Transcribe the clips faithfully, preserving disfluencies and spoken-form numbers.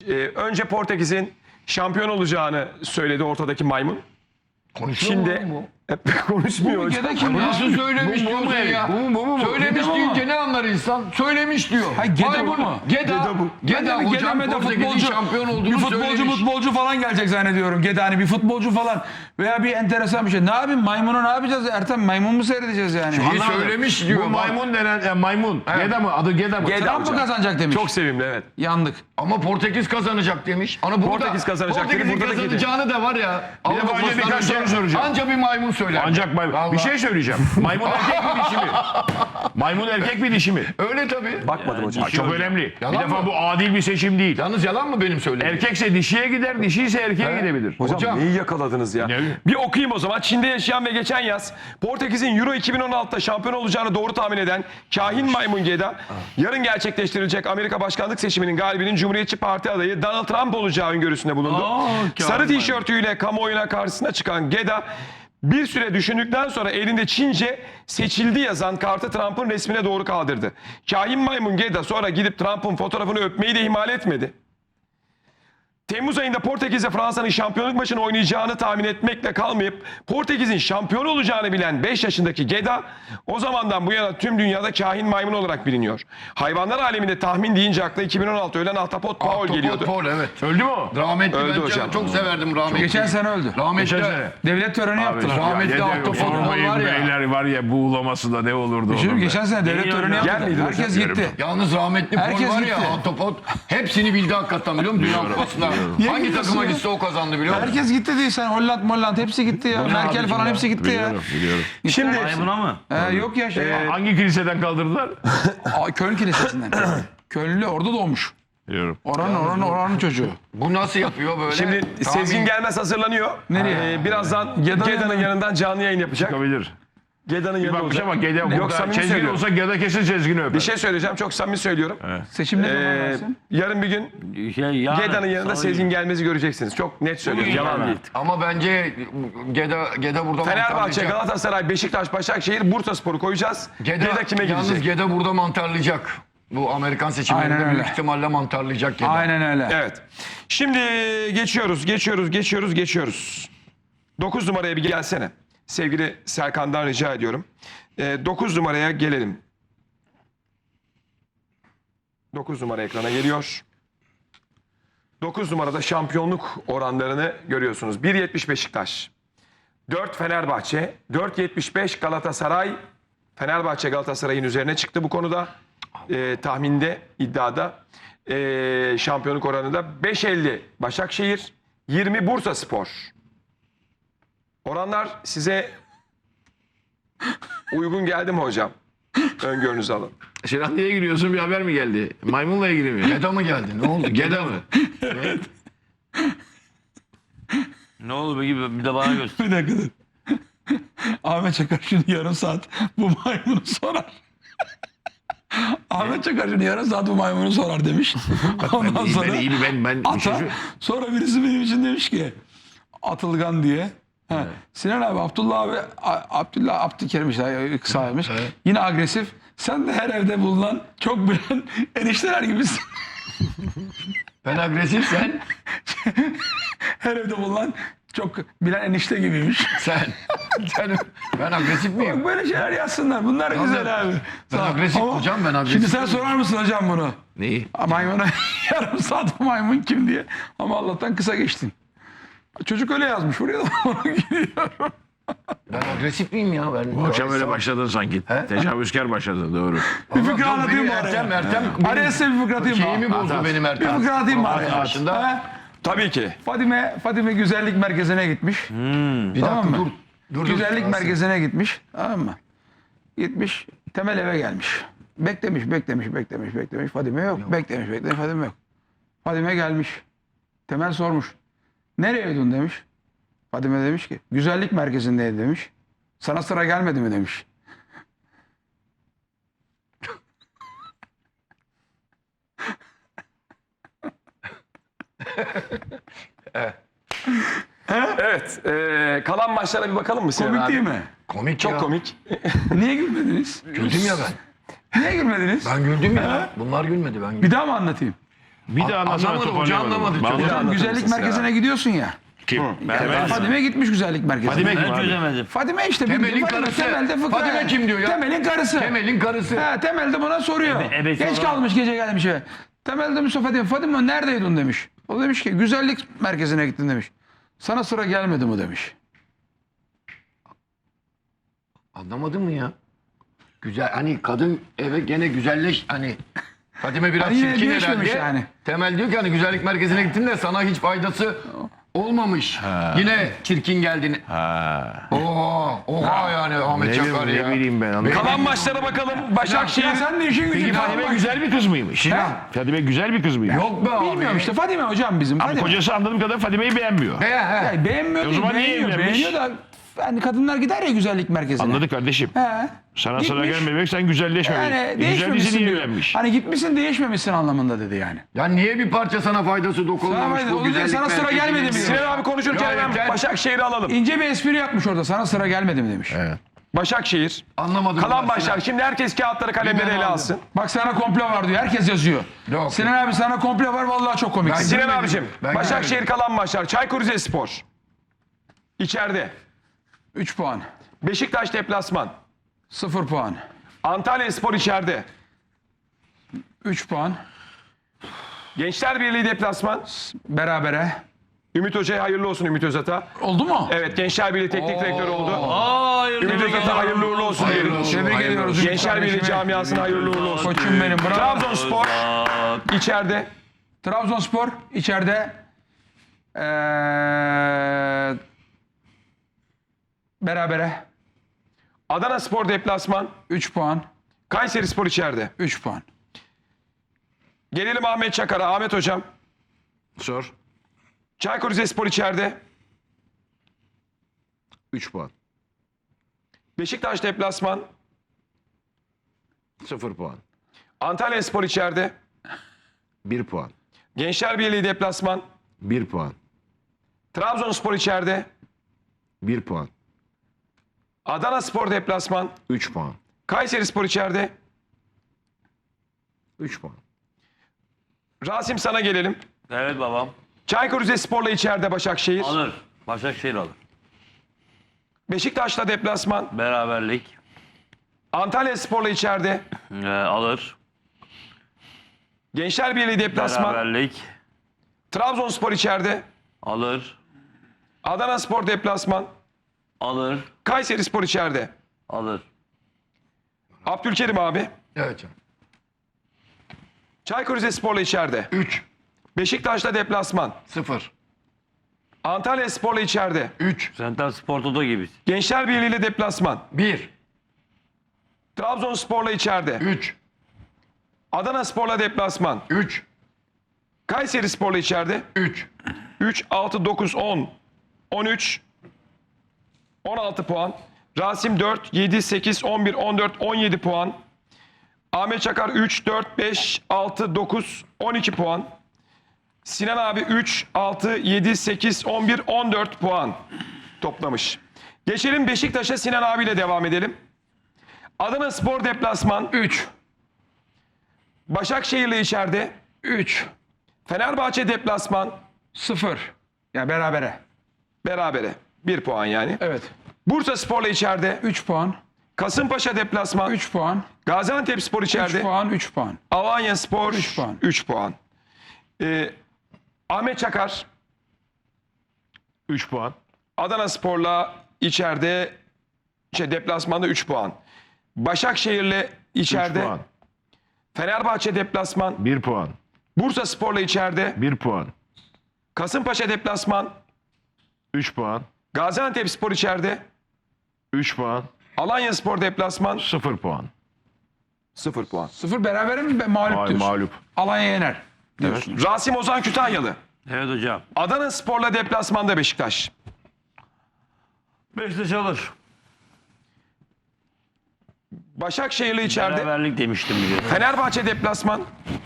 Ee, önce Portekiz'in şampiyon olacağını söyledi ortadaki maymun. Konuşuyor Şimdi mu bu? konuşmuyor hocam. Geda kim ya? Nasıl söylemiş Bu- bu mu diyorsun herif? ya? Bu mu, bu mu, bu? Söylemiş Geda deyince mı? ne anlar insan? Söylemiş diyor. Ha, Geda Maymun- bu mu? Geda, Geda bu. Ben Geda de bir hocam Geda'da Portekiz'in futbolcu, şampiyon bir olduğunu futbolcu söylemiş. futbolcu falan gelecek zannediyorum. Geda hani bir futbolcu falan veya bir enteresan bir şey. Ne yapayım maymunu ne yapacağız Ertem? Maymun mu seyredeceğiz yani? İyi Anlamadım. söylemiş diyor. Bu bak. maymun denen e, maymun. Evet. Geda mı? Adı Geda mı? Geda Trump mı hocam. kazanacak demiş. Çok sevimli, evet. Yandık. Ama Portekiz kazanacak demiş. Ana burada, Portekiz kazanacak dedi, Portekiz'in burada da Geda. kazanacağını da var ya. Bir de Avrupa önce birkaç Kupası'ndan soru önce soracağım. Anca bir maymun söyler. Ancak maymun. Vallahi. Bir şey söyleyeceğim. Maymun erkek mi dişi mi? Maymun erkek mi dişi mi? Öyle tabii. Bakmadım hocam. Ha, çok önemli. Yalan bir defa mı? bu adil bir seçim değil. Yalnız yalan mı benim söylediğim? Erkekse dişiye gider, dişi ise erkeğe gidebilir. Hocam, Hocam. neyi yakaladınız ya? Ne? Bir okuyayım o zaman. Çin'de yaşayan ve geçen yaz Portekiz'in Euro iki bin on altıda şampiyon olacağını doğru tahmin eden kahin maymun Geda, yarın gerçekleştirilecek Amerika başkanlık seçiminin galibinin Cumhuriyetçi Parti adayı Donald Trump olacağı öngörüsünde bulundu. Aa, Sarı kahin tişörtüyle kamuoyuna karşısına çıkan Geda, bir süre düşündükten sonra elinde Çince seçildi yazan kartı Trump'ın resmine doğru kaldırdı. Kahin maymun Geda sonra gidip Trump'ın fotoğrafını öpmeyi de ihmal etmedi. Temmuz ayında Portekiz'e Fransa'nın şampiyonluk maçını oynayacağını tahmin etmekle kalmayıp Portekiz'in şampiyon olacağını bilen beş yaşındaki Geda o zamandan bu yana tüm dünyada kahin maymun olarak biliniyor. Hayvanlar aleminde tahmin deyince akla iki bin on altı ölen Ahtapot Paul Ahtapot geliyordu. Paul, evet. Öldü mü o? Rahmetli Öldü ben hocam. çok severdim rahmetli. Geçen sene öldü. Rahmetli. Geçen sene. Devlet töreni yaptılar. rahmetli Ya, Ahtapot dede- Paul var ya. Beyler var ya buğulaması da ne olurdu Şimdi onun be. geçen sene devlet töreni Yer yaptılar. miydi Herkes hocam? gitti. Yalnız rahmetli Paul Herkes var ya, gitti. Ahtapot hepsini bildi hakikaten, biliyor musun? Dünya Kupası'nda. Niye Hangi gidiyorsun takıma ya? gitse o kazandı, biliyor musun? Herkes gitti değil sen Holland Molland hepsi gitti ya. Merkel falan hepsi gitti ya. Biliyorum, biliyorum. Şimdi Maymuna mı? Ee, yok ya şey. Hangi kiliseden kaldırdılar? Aa, Köln Kilisesi'nden. Kölnlü orada doğmuş. Biliyorum. Oranın oranın oranın çocuğu. Bu nasıl yapıyor böyle? Şimdi Tahmin- Sezgin Gelmez hazırlanıyor. Nereye? Ee, birazdan Geda'nın Geda'nın yanına. yanından canlı yayın yapacak. Çıkabilir. Geda'nın Bir yanında bakmışa olacak. bak Geda Yok, burada samimi Çezgin söylüyorum. olsa Geda kesin Çezgin'i öper. Bir şey söyleyeceğim, çok samimi söylüyorum. Seçim ne zaman Ee, versin? yarın bir gün Şey, yarın, Geda'nın yanında salı Sezgin Gelmez'i göreceksiniz. Çok net söylüyorum, Bugün yalan yarın. değil. Ama bence Geda, Geda burada Fenerbahçe, mantarlayacak. Galatasaray, Beşiktaş, Başakşehir, Bursaspor'u koyacağız. Geda, Geda kime yalnız gidecek? Geda burada mantarlayacak. Bu Amerikan seçimlerinde Aynen büyük öyle. ihtimalle mantarlayacak Geda. Aynen öyle. Evet. Şimdi geçiyoruz, geçiyoruz, geçiyoruz, geçiyoruz. dokuz numaraya bir gelsene. Sevgili Serkan'dan rica ediyorum. dokuz numaraya gelelim. dokuz numara ekrana geliyor. dokuz numarada şampiyonluk oranlarını görüyorsunuz. bir yetmiş Beşiktaş, dört Fenerbahçe, dört yetmiş beş Galatasaray. Fenerbahçe Galatasaray'ın üzerine çıktı bu konuda. Ee, tahminde, iddiada. Ee, şampiyonluk oranında beş elli Başakşehir, yirmi Bursaspor. Oranlar size uygun geldi mi hocam? Öngörünüzü alın. Sinan niye gülüyorsun? Bir haber mi geldi? Maymunla ilgili mi? Geda mı geldi? Ne oldu? Geda mı? Ne oldu peki bir de bana göster. Bir dakika dur. Ahmet Çakar şimdi yarım saat bu maymunu sorar. Ahmet Çakar şimdi yarım saat bu maymunu sorar demiş. Ondan İyi, sonra ben, iyi, ben, ben, bir şey ata, söyle- sonra birisi benim için demiş ki Atılgan diye. Ha, Sinan abi Abdullah abi A- Abdullah Abdülkerim işte kısalmış. Yine agresif. Sen de her evde bulunan çok bilen enişteler gibisin. Ben agresif, sen. Her evde bulunan çok bilen enişte gibiymiş. Sen. sen ben agresif miyim? Bak böyle şeyler yazsınlar. Bunlar güzel abi. Ben Sağ ol. agresif Ama hocam, ben agresif. Şimdi sen sorar mısın hocam bunu? Neyi? Maymuna yarım saat bu maymun kim diye. Ama Allah'tan kısa geçtin. Çocuk öyle yazmış. Buraya da onu gidiyorum. Ben agresif miyim ya? Ben Bu akşam öyle başladın sanki. Tecavüzkar başladı doğru. Bir fıkra anlatayım mı Ertem, araya? Ertem. Araya size bir fıkra atayım mı? Şeyimi bozdu benim Bir Ertem. fıkra atayım mı araya? Arkadaşında. Ha? Tabii ki. Fadime, Fadime güzellik merkezine gitmiş. Bir Tamam dakika mı? dur. Dur, dur. Güzellik merkezine gitmiş. Tamam mı? Gitmiş. Temel eve gelmiş. Beklemiş, beklemiş, beklemiş, beklemiş. Fadime yok. Beklemiş, beklemiş. Fadime yok. Fadime gelmiş. Temel sormuş. Nereye ödün demiş. Fadime demiş ki güzellik merkezindeydi demiş. Sana sıra gelmedi mi demiş. Evet. e, kalan maçlara bir bakalım mı Sinan Komik abi? değil mi? Komik Çok ya. komik. Niye gülmediniz? Güldüm ya ben. Niye gülmediniz? Ben güldüm ya. Bunlar gülmedi, ben güldüm. Bir daha mı anlatayım? Bir daha anlatsana Anlamadı, hoca toparlayamadım. anlamadı. Ben Hocam, anlamadım. Hocam güzellik mısın merkezine gidiyorsun ya. Kim? Yani Fadime gitmiş güzellik merkezine. Fadime kim Ben abi? çözemedim. Fadime işte. Temel'in bildiğin Fadime, karısı. Temelde fıkra. Fadime kim diyor ya? Temel'in karısı. Temel'in karısı. Ha, Temel de buna soruyor. Ebe- ebesi Geç olan- kalmış gece gelmiş eve. Temel demiş o Fadime. Fadime neredeydin demiş. O demiş ki güzellik merkezine gittin demiş. Sana sıra gelmedi mi demiş. Anlamadın mı ya? Güzel hani kadın eve gene güzelleş hani Fadime biraz Hani yine çirkin değişmemiş herhalde. yani. Temel diyor ki hani güzellik merkezine gittin de sana hiç faydası olmamış. Yine çirkin geldin. Ha. Oha, oha yani Ahmet Ne, Çakar ne ya. bileyim ben anlamadım. Kalan maçlara bakalım. Başakşehir. Ya sen de işin gücün Peki Fadime kalmamış. güzel bir kız mıymış? Fadime güzel bir kız mıymış? Yok be abi. Bilmiyorum işte Fadime hocam bizim. Ama Fadime. kocası anladığım kadar Fadime'yi beğenmiyor. He he. Yani beğenmiyor E o değil, zaman niye beğeniyor, evlenmiş? beğeniyor da yani kadınlar gider ya güzellik merkezine. Anladık kardeşim. He. Sana sıra Gitmiş. gelmemek sen güzelleşmemek. Yani Güzel değişmemişsin dizi niye diyor. evlenmiş? Hani gitmişsin değişmemişsin anlamında dedi yani. Ya niye bir parça sana faydası dokunmamış Sana- bu o yüzden güzellik sana sıra merkezinin? gelmedi mi? Sinan abi konuşurken Ya hemen yeter. Başakşehir'i alalım. İnce bir espri yapmış orada. Sana sıra gelmedi mi demiş. Evet. Başakşehir. Anlamadım. Kalan ben maçlar. Sinan. Şimdi herkes kağıtları kalemleri Ben ele aldım. alsın. Bak sana komple var diyor. Herkes yazıyor. Yok. Sinan abi sana komple var vallahi çok komik. Ben- Sinan Görmedim. abicim. Ben Başakşehir görmedim. kalan maçlar. Çaykur Rizespor. İçeride. üç puan. Beşiktaş deplasman. sıfır puan. Antalyaspor içeride. üç puan. Gençler Birliği deplasman. Berabere. Ümit Hoca'ya hayırlı olsun Ümit Özat'a. Oldu mu? Evet Gençler Birliği teknik direktörü oldu. Hayır. Ümit Özat'a hayırlı uğurlu olsun diyelim. Tebrik ediyoruz. Ümit Gençler Birliği kardeşime. camiasına hayırlı uğurlu olsun. Koçum benim. Bravo. Trabzonspor içeride. Trabzonspor içeride. Ee, berabere. Adanaspor deplasman. üç puan. Kayserispor içeride. üç puan. Gelelim Ahmet Çakar'a. Ahmet Hocam. Sor. Çaykur Rizespor içeride. üç puan. Beşiktaş deplasman. sıfır puan. Antalyaspor içeride. bir puan. Gençler Birliği deplasman. bir puan. Trabzonspor içeride. bir puan. Adanaspor deplasman. üç puan. Kayserispor içeride. üç puan. Rasim sana gelelim. Evet babam. Çaykur Rizespor'la içeride Başakşehir. Alır. Başakşehir alır. Beşiktaş'la deplasman. Beraberlik. Antalyaspor'la içeride. Ee, alır. Gençler Birliği deplasman. Beraberlik. Trabzonspor içeride. Alır. Adanaspor deplasman. Alır. Kayserispor içeride. Alır. Abdülkerim abi. Evet canım. Çaykur Rizespor'la içeride. üç. Beşiktaş'la deplasman. sıfır. Antalyaspor'la içeride. üç. Sen tam Spor Toto gibisin. Gençler Birliği'yle deplasman. bir. Trabzonspor'la içeride. üç. Adanaspor'la deplasman. üç. Kayserispor'la içeride. üç. üç, altı, dokuz, on, on üç, on altı puan. Rasim dört, yedi, sekiz, on bir, on dört, on yedi puan. Ahmet Çakar üç, dört, beş, altı, dokuz, on iki puan. Sinan abi üç, altı, yedi, sekiz, on bir, on dört puan toplamış. Geçelim Beşiktaş'a, Sinan abiyle devam edelim. Adanaspor deplasman. üç. Başakşehir'le içeride. üç. Fenerbahçe deplasman. sıfır. Ya berabere. Berabere. bir puan yani. Evet. Bursaspor'la içeride. üç puan. Kasımpaşa deplasman. üç puan. Gaziantepspor üç içeride. puan. üç puan. Alanyaspor üç puan. üç puan. Ee, Ahmet Çakar üç puan. Adanaspor'la içeride şey deplasmanda üç puan. Başakşehir'le üç içeride. puan. Fenerbahçe deplasman. bir puan. Bursaspor'la içeride. bir puan. Kasımpaşa deplasman. üç puan. Gaziantepspor içeride. üç puan. Alanyaspor deplasman. sıfır puan. sıfır puan. sıfır berabere mi? Mağlup Ay, diyorsun. mağlup. Alanya yener. Diyorsun. Rasim Ozan Kütahyalı. Evet hocam. Adanaspor'la deplasmanda Beşiktaş. Beşiktaş alır. Başakşehir'le içeride. Beraberlik demiştim bir de. Fenerbahçe deplasman.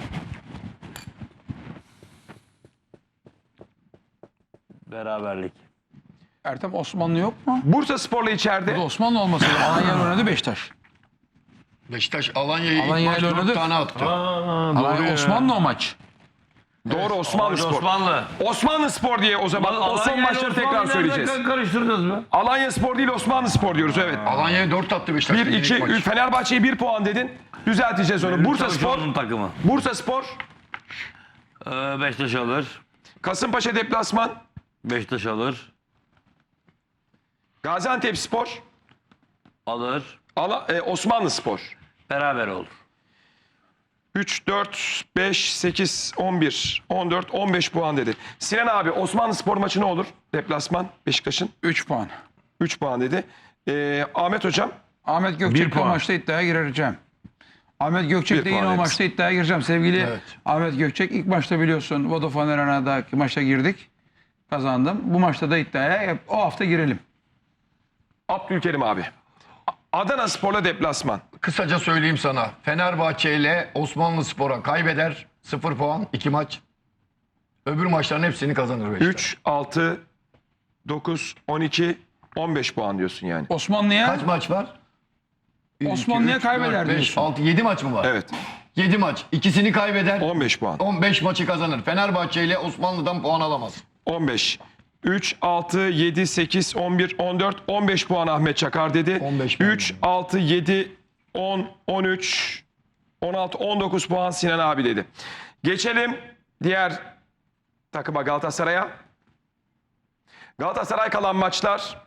Beraberlik. Ertem Osmanlı yok mu? Bursaspor'la Bu da içeride. Osmanlı olması lazım. Alanya'yla oynadı Beşiktaş. Beşiktaş Alanya'yı ilk Alanya maç ile dört oynadı. tane attı. Alanya Osmanlı o maç. Doğru, Osmanlı Spor. Osmanlı. Osmanlı Spor diye o zaman o son maçları tekrar söyleyeceğiz. Karıştırdınız mı? Alanya Spor değil, Osmanlı Spor diyoruz, evet. Alanya'ya dört attı Beşiktaş. bir iki ilk maç. Fenerbahçe'ye bir puan dedin. Düzelteceğiz onu. Bursa Spor. Çavuşoğlu'nun takımı. Bursa Spor. Ee, Beşiktaş alır. Kasımpaşa deplasman. Beşiktaş alır. Gaziantep Spor. Alır. Ala, e, Osmanlı Spor. Beraber olur. üç, dört, beş, sekiz, on bir, on dört, on beş puan dedi. Sinan abi, Osmanlı Spor maçı ne olur? Deplasman Beşiktaş'ın. üç puan. üç puan dedi. Ee, Ahmet Hocam. Ahmet Bir Gökçek'le o puan. maçta iddiaya gireceğim. Ahmet Gökçek'le Bir yine puan o evet. maçta iddiaya gireceğim. Sevgili Evet. Ahmet Gökçek, ilk maçta biliyorsun Vodafone Arena'daki maçta girdik. Kazandım. Bu maçta da iddiaya o hafta girelim. Abdülkerim abi. Adana Spor'la deplasman. Kısaca söyleyeyim sana. Fenerbahçe ile Osmanlı Spor'a kaybeder. sıfır puan. iki maç. Öbür maçların hepsini kazanır Beşiktaş. üç, altı, dokuz, on iki, on beş puan diyorsun yani. Osmanlı'ya Kaç maç var? Osmanlı'ya kaybeder beş, diyorsun. altı, yedi maç mı var? Evet. yedi maç. İkisini kaybeder. on beş puan. on beş maçı kazanır. Fenerbahçe ile Osmanlı'dan puan alamaz. on beş. üç, altı, yedi, sekiz, on bir, on dört, on beş puan Ahmet Çakar dedi. on beş ben üç, dedim. altı, yedi, on, on üç, on altı, on dokuz puan Sinan abi dedi. Geçelim diğer takıma, Galatasaray'a. Galatasaray kalan maçlar.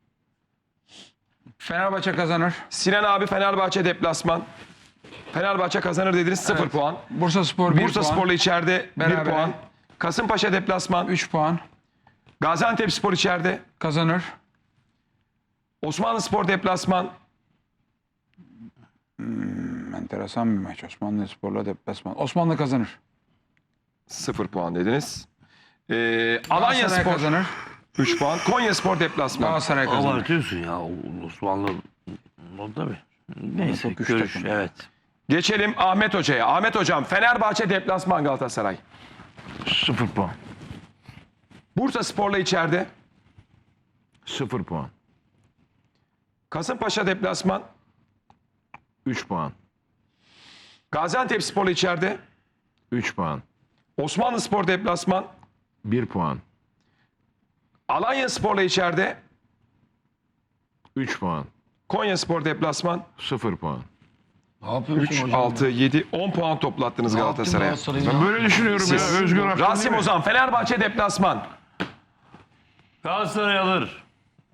Fenerbahçe kazanır. Sinan abi Fenerbahçe deplasman. Fenerbahçe kazanır dediniz, sıfır Evet. puan. Bursa Spor bir Bursa puan. Spor'la içeride bir Berabere. puan. Kasımpaşa deplasman. üç puan. Gaziantep Spor içeride. Kazanır. Osmanlı Spor deplasman. Enteresan bir maç. Osmanlı Spor'la deplasman. Osmanlı kazanır. sıfır puan dediniz. Ee, Alanya Galatasaray Spor kazanır. üç puan. Konya Spor deplasman. Galatasaray kazanır. Abartıyorsun ya. Osmanlı. O tabii. Neyse. Çok güç Görüş. takım. Evet. Geçelim Ahmet Hoca'ya. Ahmet Hocam, Fenerbahçe deplasman Galatasaray. sıfır puan. Bursa Spor'la içeride. sıfır puan. Kasımpaşa deplasman. üç puan. Gaziantep Spor'la içeride. üç puan. Osmanlı Spor deplasman. bir puan. Alanya Spor'la içeride. üç puan. Konya Spor deplasman. sıfır puan. Ne yapıyorsun üç, hocam? altı, yedi, on puan toplattınız Ne yaptın Galatasaray'a. Galatasaray'a? Ben böyle düşünüyorum ya. Siz- Özgür Aktan Rasim değil mi? Ozan, Fenerbahçe deplasman. Galatasaray alır.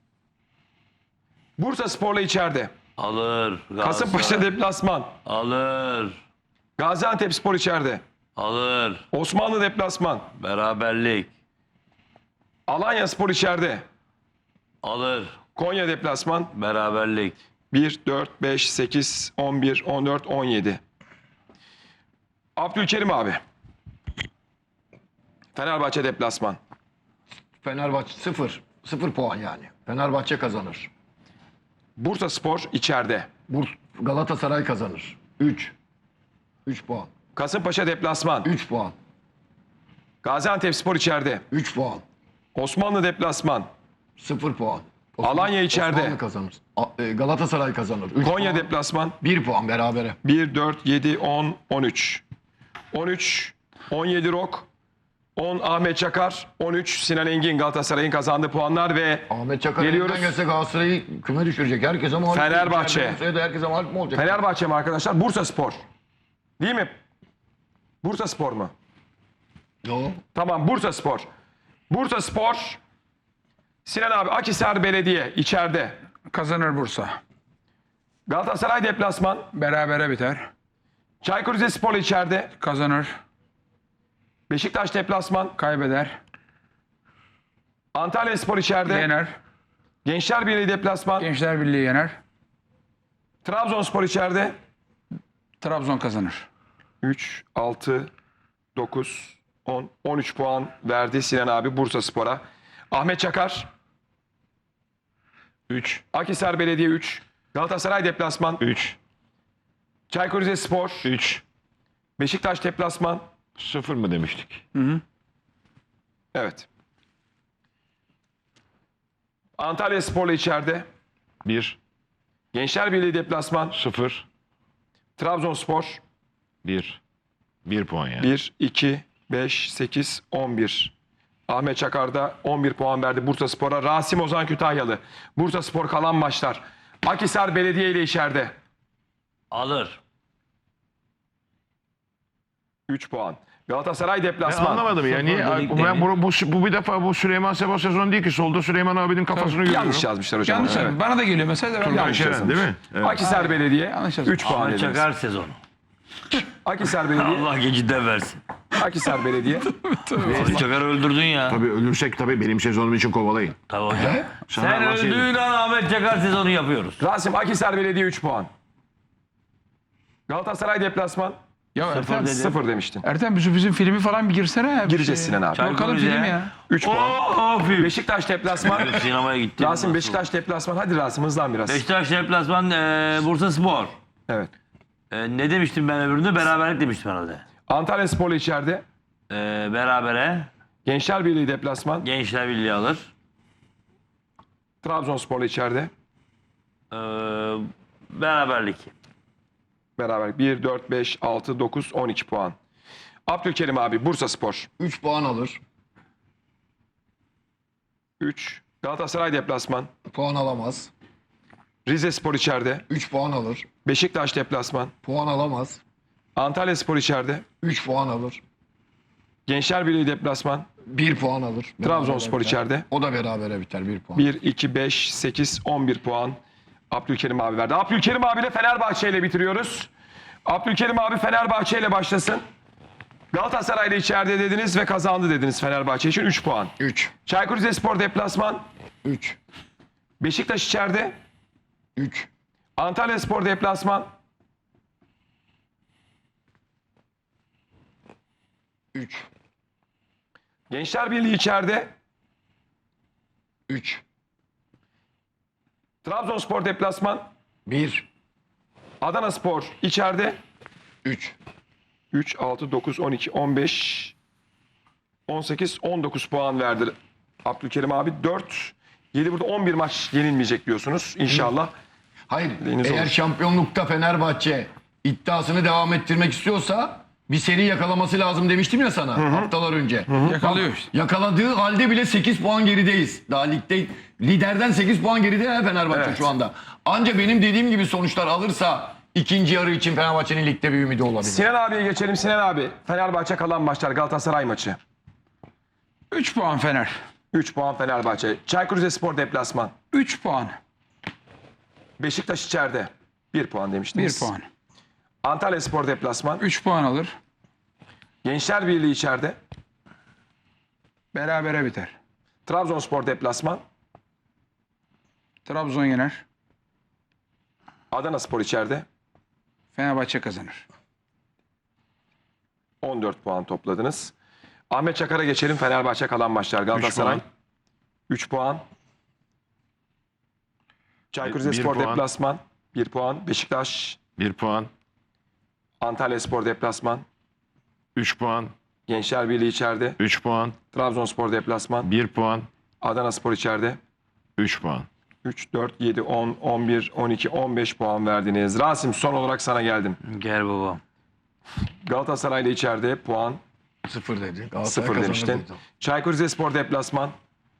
Bursa Spor'la içeride. Alır. Kasımpaşa Galatasaray. deplasman. Alır. Gaziantep Spor içeride. Alır. Osmanlı deplasman. Beraberlik. Alanya Spor içeride. Alır. Konya deplasman. Beraberlik. bir, dört, beş, sekiz, on bir, on dört, on yedi. Abdülkerim abi. Fenerbahçe deplasman. Fenerbahçe sıfır. sıfır puan yani. Fenerbahçe kazanır. Bursa Spor içeride. Burs Galatasaray kazanır. üç. üç puan. Kasımpaşa deplasman. üç puan. Gaziantep Spor içeride. üç puan. Osmanlı deplasman. sıfır puan. Alanya içeride. Osmanlı kazanır. A- e, Galatasaray kazanır. üç Konya puan. deplasman. bir puan berabere. bir, dört, yedi, on, on üç. on üç, on yedi Rok. on Ahmet Çakar. on üç Sinan Engin, Galatasaray'ın kazandığı puanlar ve Ahmet Çakar Geliyoruz. elinden gelse Galatasaray'ı küme düşürecek. Herkese mağlup. Fenerbahçe. İçeride Bursa'ya da herkese mağlup mu olacak? Fenerbahçe mi arkadaşlar? Bursa Spor. Değil mi? Bursa Spor mu? Yo. Tamam, Bursa Spor. Bursa Spor. Sinan abi, Akhisar Belediye içeride. Kazanır Bursa. Galatasaray deplasman. Berabere biter. Çaykur Rizespor içeride. Kazanır. Beşiktaş deplasman. Kaybeder. Antalya Spor içeride. Yener. Gençler Birliği deplasman. Gençler Birliği yener. Trabzonspor içeride. Trabzon kazanır. üç, altı, dokuz, on, on üç puan verdi Sinan abi Bursa Spor'a. Ahmet Çakar. üç. Akhisar Belediye üç. Galatasaray deplasman. üç. Çaykur Rizespor. üç. Beşiktaş deplasman. sıfır mı demiştik? Evet. Antalya Spor'la içeride. bir. Gençler Birliği deplasman. sıfır. Trabzonspor. bir. bir puan yani. bir, iki, beş, sekiz, on bir. Ahmet Çakar da on bir puan verdi Bursaspor'a. Rasim Ozan Kütahyalı. Bursaspor kalan maçlar. Akhisar Belediye ile içeride. Alır. üç puan. Galatasaray Ben deplasman. anlamadım yani. Sıfır dedik Ben demin. bu, bu, bu bir defa bu Süleyman Seba sezonu değil ki. Solda Süleyman abinin kafasını görüyorum. Yanlış yazmışlar hocam. Yanlış Evet. yazmış. Bana da geliyor mesaj da ben Turgay yanlış Şeren yazmış. değil mi? Evet. Akhisar Belediye Yanlış yazmış. üç puan Ahmet dediniz. Çakar sezonu. Akhisar Belediye. Allah geciden versin. Akhisar Belediye. Ahmet Çakar'ı öldürdün ya. Tabii ölürsek tabii benim sezonum için kovalayın. Tabii hocam. Sana Sen bahsedeyim. öldüğün an Ahmet Çakar sezonu yapıyoruz. Rasim Akhisar Belediye üç puan. Galatasaray deplasman Ya Ertem, dedi. sıfır demiştin. Ertem bizim, bizim filmi falan bir girsene. ya. Bir Gireceğiz şey. Sinan abi. Çay Bakalım koyacağız film ya. ya. üç puan. Of. Beşiktaş deplasman. Sinemaya gittim. Rasim Nasıl? Beşiktaş deplasman. Hadi Rasim hızlan biraz. Beşiktaş deplasman e, Bursaspor. Evet. E, ne demiştim ben öbüründe? Beraberlik demiştim herhalde. Antalya Spor'la içeride. E, berabere. Gençler Birliği deplasman. Gençler Birliği alır. Trabzonspor'la içeride. E, beraberlik. Beraber bir, dört, beş, altı, dokuz, on iki puan. Abdülkerim abi Bursaspor. üç puan alır. üç. Galatasaray deplasman. Puan alamaz. Rizespor içeride. üç puan alır. Beşiktaş deplasman. Puan alamaz. Antalya Spor içeride. üç puan alır. Gençler Birliği deplasman. bir puan alır. Trabzonspor Berabere biter. içeride. O da berabere biter bir puan. bir, iki, beş, sekiz, on bir puan. Abdülkerim abi verdi. Abdülkerim abiyle Fenerbahçe ile bitiriyoruz. Abdülkerim abi Fenerbahçe ile başlasın. Galatasaray ile içeride dediniz ve kazandı dediniz Fenerbahçe için üç puan. üç. Çaykur Rizespor deplasman. üç. Beşiktaş içeride. üç. Antalya Spor deplasman. üç. Gençler Birliği içeride. üç. Trabzonspor deplasman. bir. Adana Spor içeride. üç. üç, altı, dokuz, on iki, on beş, on sekiz, on dokuz puan verdi Abdülkerim abi. dört, yedi burada on bir maç yenilmeyecek diyorsunuz inşallah. Hayır. Deniz Eğer olur. şampiyonlukta Fenerbahçe iddiasını devam ettirmek istiyorsa bir seri yakalaması lazım demiştim ya sana haftalar önce. Yakalıyor işte. Yakaladığı halde bile sekiz puan gerideyiz. Daha ligde liderden sekiz puan geride ya Fenerbahçe Evet. şu anda. Anca benim dediğim gibi sonuçlar alırsa ikinci yarı için Fenerbahçe'nin ligde bir ümidi olabilir. Sinan abiye geçelim. Sinan abi Fenerbahçe kalan maçlar Galatasaray maçı. üç puan Fener. üç puan Fenerbahçe. Çaykur Rizespor deplasman. üç puan. Beşiktaş içeride. bir puan demiştiniz. bir puan. Antalya Spor deplasman. üç puan alır. Gençler Birliği içeride. Berabere biter. Trabzonspor deplasman. Trabzon yener. Adana Spor içeride. Fenerbahçe kazanır. on dört puan topladınız. Ahmet Çakar'a geçelim. Fenerbahçe kalan maçlar. Galatasaray puan. üç puan. Çaykur Bir Rizespor puan. deplasman bir puan. Beşiktaş, bir puan. Antalya Spor deplasman. üç puan. Gençler Birliği içeride. üç puan. Trabzonspor deplasman. bir puan. Adana Spor içeride. üç puan. üç, dört, yedi, on, on bir, on iki, on beş puan verdiniz. Rasim son olarak sana geldim. Gel babam. Galatasaray ile içeride puan Sıfır dedi. Galatasaray sıfır kazanır demiştin. dedi. Çaykur Rizespor deplasman.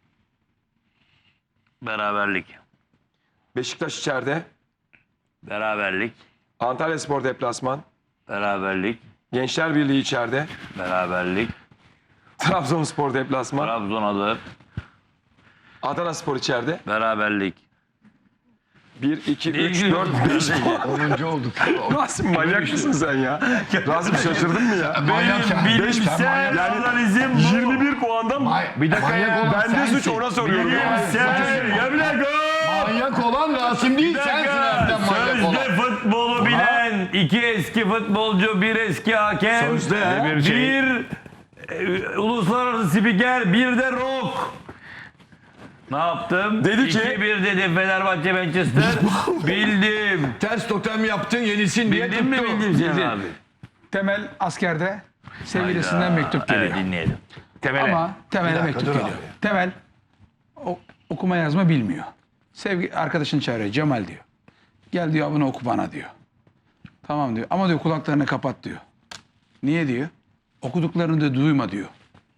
Beraberlik. Beşiktaş içeride. Beraberlik. Antalya Spor deplasman. Beraberlik. Gençler Birliği içeride. Beraberlik. Trabzonspor deplasman. Trabzon alır. Adana Spor içeride. Beraberlik. bir, iki, üç, İyi dört, beş gidiyor. puan. onuncu olduk. Rasim manyak mısın sen ya? Rasim şaşırdın mı ya? Manyak ya. Bilimsel analizim bu. yirmi bir puandan mı? Bir dakika ya. Bende suç ona soruyorum. Bilimsel. Ya bir dakika. Manyak olan Rasim değil Bir sensin dakika. Ertem manyak olan. Sözde futbolu bilen iki eski futbolcu, bir eski hakem, Sözde. bir, Bir şey. e, uluslararası spiker, bir de rock. Ne yaptım? Dedi ki- iki bir dedi Fenerbahçe Manchester. Bildim. Ters totem yaptın yenilsin diye Bildin mi tuttu. bildim Sinan abi? Temel askerde sevgilisinden mektup geliyor. Evet dinleyelim. Temele. Ama Temel'e dakika, mektup dur geliyor. abi. Temel o, okuma yazma bilmiyor. Sevgi arkadaşını çağırıyor. Cemal diyor. Gel diyor bunu oku bana diyor. Tamam diyor. Ama diyor kulaklarını kapat diyor. Niye diyor? okuduklarını da duyma diyor.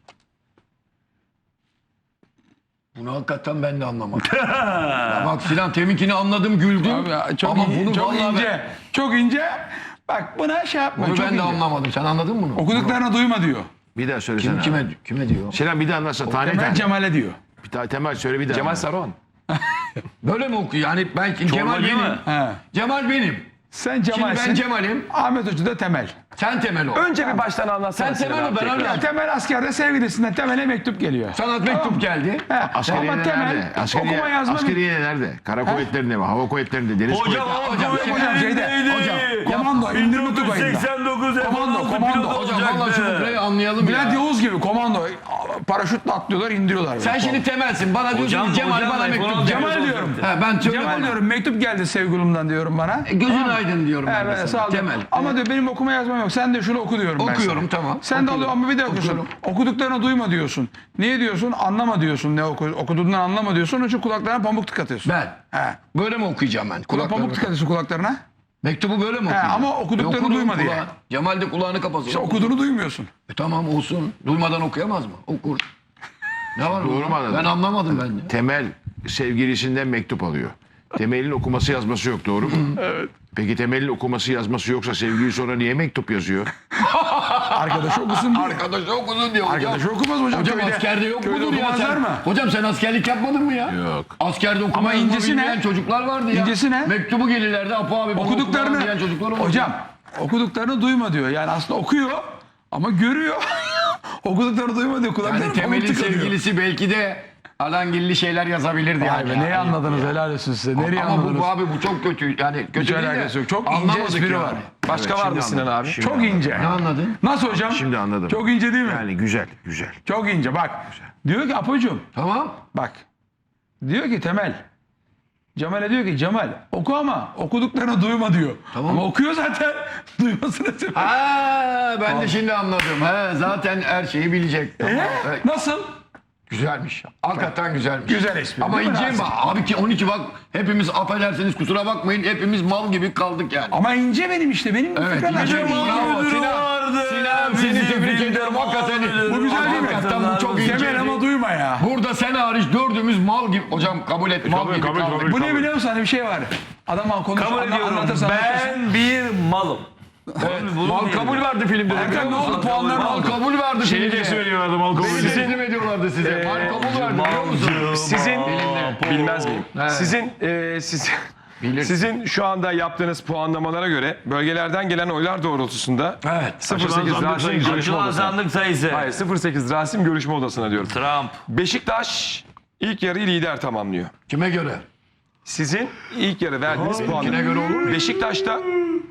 Bunu hakikaten ben de anlamadım. Ya bak Sinan teminkini anladım güldüm. Abi ya, çok ama in- bunu çok vallahi ince. ben- Çok ince. Bak buna şey yapma. bunu çok ben de ince. anlamadım. Sen anladın mı bunu? Okuduklarını duyma diyor. Bir daha söylesene. Kim, abi. kime, kime diyor? Sinan bir daha anlatsana. Tane Temel tane. Cemal'e diyor. Bir daha Temel söyle bir daha. Cemal anlat. Saruhan. Böyle mi okuyor? Yani ben Cemal değil benim. mi? He. Cemal benim. Sen Şimdi Cemal'sin. ben Cemal'im. Ahmet Hoca da Temel. Sen Temel ol. Önce bir baştan anlatsana. Sen Temel Sinan ol, abi ben tekrar. anladım. Temel askerde sevgilisinden Temel'e mektup geliyor. Sana mektup geldi. He. Askeriye Ama Temel nerede? Askeriye, okuma yazma askeriye nerede? Kara kuvvetlerinde mi? Hava kuvvetlerinde, deniz Hocam kuvvetlerinde. hocam hocam, hocam, şeyde, hocam, komando, indirme tugayında. seksen dokuz Komando, F-on altı komando. pilot Hocam vallahi şu olacaktı. fıkrayı anlayalım Bülent ya. Yavuz gibi komando. Paraşütle atlıyorlar, indiriyorlar. böyle. Sen şimdi Temel'sin. Bana diyorsun Hocam, ki Cemal hocam, bana iPhone mektup altı geldi. Cemal diyorum. He, ben söyle Cemal bana. diyorum, mektup geldi sevgilimden diyorum bana. E, Gözün aydın diyorum He, ben de ben sana. sağ ol. Temel. Ama diyor benim okuma yazmam yok. Sen de şunu oku diyorum ben Okuyorum, sana. tamam. Sen de Okuyorum. alıyor ama bir de okuyorsun. Okuyorum. Okuduklarını duyma diyorsun. Niye diyorsun? Anlama diyorsun. Ne oku, okuduğundan anlama diyorsun. Onun için kulaklarına pamuk tıkatıyorsun. Ben. He. Böyle mi okuyacağım ben? Kulak pamuk Kulaklarını. tıkatıyorsun kulaklarına. Mektubu böyle mi okuyacağım? ama okuduklarını E, okudum, duyma diye. kulağı- Cemal de kulağını kapatsın. İşte okuduğunu duymuyorsun. E, tamam olsun. Duymadan okuyamaz mı? Okur. Ne var? Doğru bunda? mu anladın? Ben anlamadım ben de. Temel sevgilisinden mektup alıyor. Temel'in okuması yazması yok, doğru mu? Evet. Peki Temel'in okuması yazması yoksa sevgili sonra niye mektup yazıyor? Arkadaşı okusun diye. Arkadaşı okudun diyor hocam. Arkadaşı okumaz hocam. Hocam Köyde- askerde yok köyde mudur ya okumazlar sen? mı? Hocam sen askerlik yapmadın mı ya? Yok. Askerde okuma Ama yazma incesi ne? bilmeyen çocuklar vardı ya. İncesi ne? Mektubu gelirlerdi. Apo abi bana Okuduklarını okuma diyen çocuklar oldu. hocam okuduklarını duyma diyor. Yani aslında okuyor ama görüyor. Okuduklarını duyma diyor. Kulaklarına Yani pamuk Temel'in tıkatıyor. sevgilisi belki de alangilli şeyler yazabilirdi Vay yani. be, ya. neyi anladınız, helal olsun size. Nereye Ama bu, anladınız? bu abi bu çok kötü. Yani kötü Hiç değil alakası de yok. Çok ince anlamadık espri yani. var. Başka Evet, var mı şimdi Sinan anladım. abi? Şimdi Çok anladım. ince. Ne anladın? Nasıl hocam? Şimdi anladım. Çok ince değil mi? Yani güzel, güzel. Çok ince bak. Diyor ki Apocuğum Tamam. bak. Diyor ki Temel. Cemal'e diyor ki Cemal oku ama okuduklarını duyma diyor. Tamam. Ama okuyor zaten. Duymasına sebep. Ha, ben de şimdi anladım. He, zaten her şeyi bilecek. Tamam. Ee? Evet. Nasıl? Güzelmiş. Hakikaten güzelmiş. Güzel espri, Ama değil mi inceyim Rasim? bak. Abi ki on iki bak hepimiz affedersiniz kusura bakmayın hepimiz mal gibi kaldık yani. Ama ince benim işte. Benim Evet, fıkralar ince çok mal ince. Bravo, müdürü Sinan. vardı. Sinan, seni Bizim tebrik filmde ediyorum. mal Hakikaten- müdürü Bu güzel değil mi? Hakikaten bu çok Temel ince. Temel ama duyma ya. Burada sen hariç dördümüz mal gibi. Hocam kabul et mal Kabul, gibi kabul, kaldık. kabul. Bu ne biliyor musun? Hani bir şey var. Adam konuş, Kabul anla- ediyorum. anlatırsa anlatırsa. Ben bir malım. Bunu Mal diyelim. kabul verdi filmde. Erkan ne oldu? Puanlar ne Mal oldu? kabul verdi Seni filmde. de söylüyorlardı mal kabul. Beni teslim ediyorlardı size. Mal kabul verdi biliyor musun? Sizin bilmez miyim? Evet. Sizin e, sizin Bilir. sizin şu anda yaptığınız puanlamalara göre bölgelerden gelen oylar doğrultusunda Evet. sıfır sekiz Açılan sandık Rasim sayısı. görüşme Açılan odasına. sandık sayısı. Hayır sıfır sekiz Rasim görüşme odasına diyorum. Trump. Beşiktaş ilk yarıyı lider tamamlıyor. Kime göre? Sizin ilk yarı verdiğiniz puanlar. benimkine göre olur mu? Beşiktaş'ta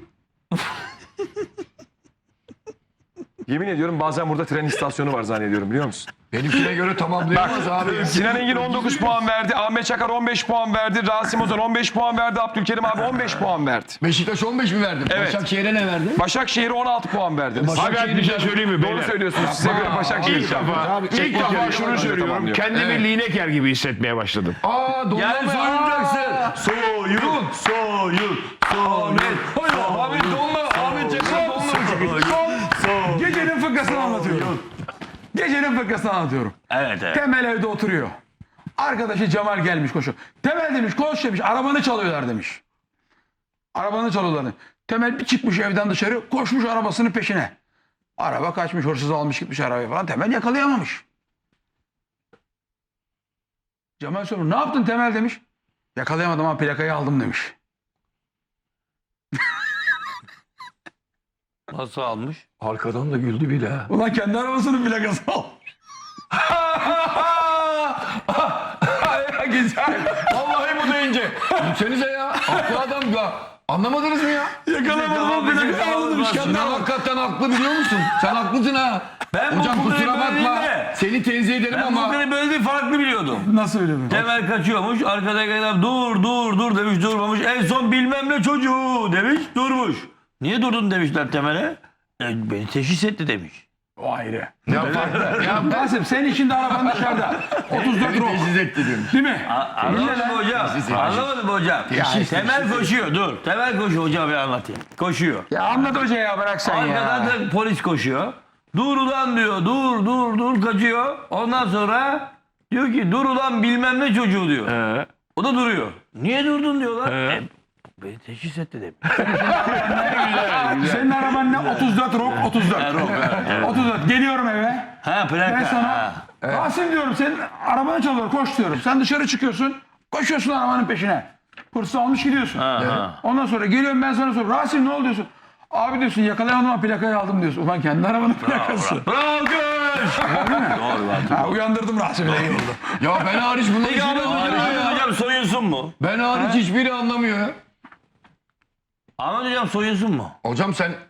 yemin ediyorum bazen burada tren istasyonu var zannediyorum biliyor musun? Benimkine göre tamamlayamaz abi. Sinan Engin on dokuz puan verdi. Ahmet Çakar on beş puan verdi. Rasim Ozan on beş puan verdi. Abdülkerim abi on beş puan verdi. Beşiktaş on beş mi verdi? Evet. Başakşehir'e ne verdi? Başakşehir'e on altı puan verdiniz. Başak- Abi bir şey söyleyeyim mi Doğru beyler? söylüyorsunuz. Size göre Başakşehir İlk şampiyon. defa, Abi, ilk ilk defa defa şunu öyle söylüyorum. tamamlıyor. Kendimi Evet. Lineker gibi hissetmeye başladım. Aa donlama. Yani soyunacaksın. Soyun. Soyun. Soyun. Abi donma. Ahmet Çakar donma. Gecenin fıkrasını anlatıyorum. Gecenin fıkrasını anlatıyorum. Evet evet. Temel evde oturuyor. Arkadaşı Cemal gelmiş koşu. Temel demiş koş demiş arabanı çalıyorlar demiş. Arabanı çalıyorlar demiş. Temel bir çıkmış evden dışarı koşmuş arabasının peşine. Araba kaçmış hırsız almış gitmiş arabayı falan. Temel yakalayamamış. Cemal soruyor ne yaptın Temel demiş. Yakalayamadım ama plakayı aldım demiş. Nasıl almış? Arkadan da güldü bile. ha. Ulan kendi arabasının plakasını almış. Güzel. Vallahi bu da ince. Gülsenize ya. Haklı adam ya. Anlamadınız mı ya? Yakalayamadım ama plakayı aldım demiş. Kendi Sinan arabası. hakikaten haklı biliyor musun? Sen haklısın ha. Ben bu Hocam fıkrayı kusura böyle bakma. değil de. Seni tenzih ederim Ben ama. bu kadar böyle bir farklı biliyordum. Nasıl öyle mi? Temel kaçıyormuş. Arkadaki adam dur dur dur demiş durmamış. En son bilmem ne çocuğu demiş durmuş. Niye durdun demişler Temel'e. E, beni teşhis etti demiş. O ayrı. Ya farklı. Ya Rasim sen işin de araban dışarıda. otuz dört Beni rok. teşhis etti diyorum. Değil mi? Anlamadın mı hocam? Anlamadın mı hocam? Temel koşuyor dur. Temel koşuyor hocam bir anlatayım. Koşuyor. Ya anlat hoca ya bırak sen Arkadan ya. da polis koşuyor. Dur ulan diyor. Dur dur dur kaçıyor. Ondan sonra diyor ki dur ulan bilmem ne çocuğu diyor. Ee, O da duruyor. Niye durdun diyorlar. E, beni teşhis et dedim. Senin araban ne? otuz dört Rock otuz dört. otuz dört. Geliyorum eve. Ha plaka. Ben sana Ha. Rasim diyorum senin arabanı çalıyor koş diyorum. Sen dışarı çıkıyorsun. Koşuyorsun arabanın peşine. Hırsı almış gidiyorsun. Ha, ha. Ondan sonra geliyorum ben sana soruyorum. Rasim ne oldu diyorsun. Abi diyorsun yakalayamadım ama plakayı aldım diyorsun. Ulan kendi arabanın plakası. Bravo kız. Doğru lan. Ha, uyandırdım Rasim'i de iyi oldu. Ya ben hariç bunların Peki hiçbiri Ahmet anlamıyor Hocam, ya. hocam soyunsun mu? Ben hariç hiçbiri anlamıyor ya. Ahmet Hocam soyunsun mu? Hocam sen